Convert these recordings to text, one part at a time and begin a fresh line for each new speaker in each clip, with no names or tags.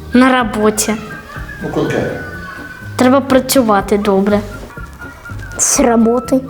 На роботі.
Ну, конкретно.
Треба працювати добре.
С работы.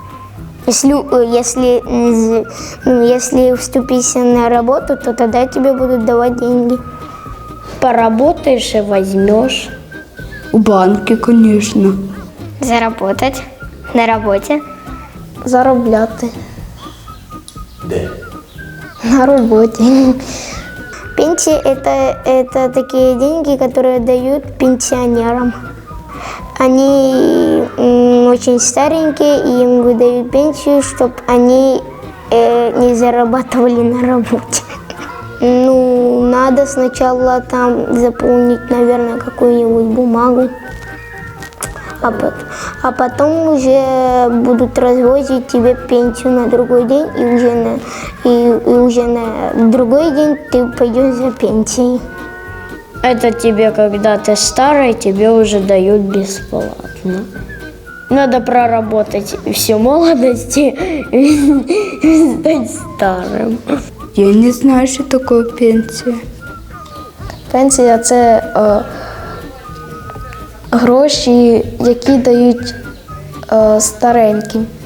Если вступишься на работу, то тогда тебе будут давать деньги.
Поработаешь и возьмешь.
У банки, конечно.
Заработать на работе.
Заробляти.
Де?
На работе. Пенсия это такие деньги, которые дают пенсионерам. Они очень старенькие, и им выдают пенсию, чтобы они не зарабатывали на работе. Ну, надо сначала там заполнить, наверное, какую-нибудь бумагу, а потом уже будут развозить тебе пенсию на другой день, и уже на другой день ты пойдешь за пенсией.
Это тебе, когда ты старый, тебе уже дают бесплатно. Надо проработать всю молодость и стать старым.
Я не знаю, що таке пенсія.
Пенсія – це гроші, які дають стареньким.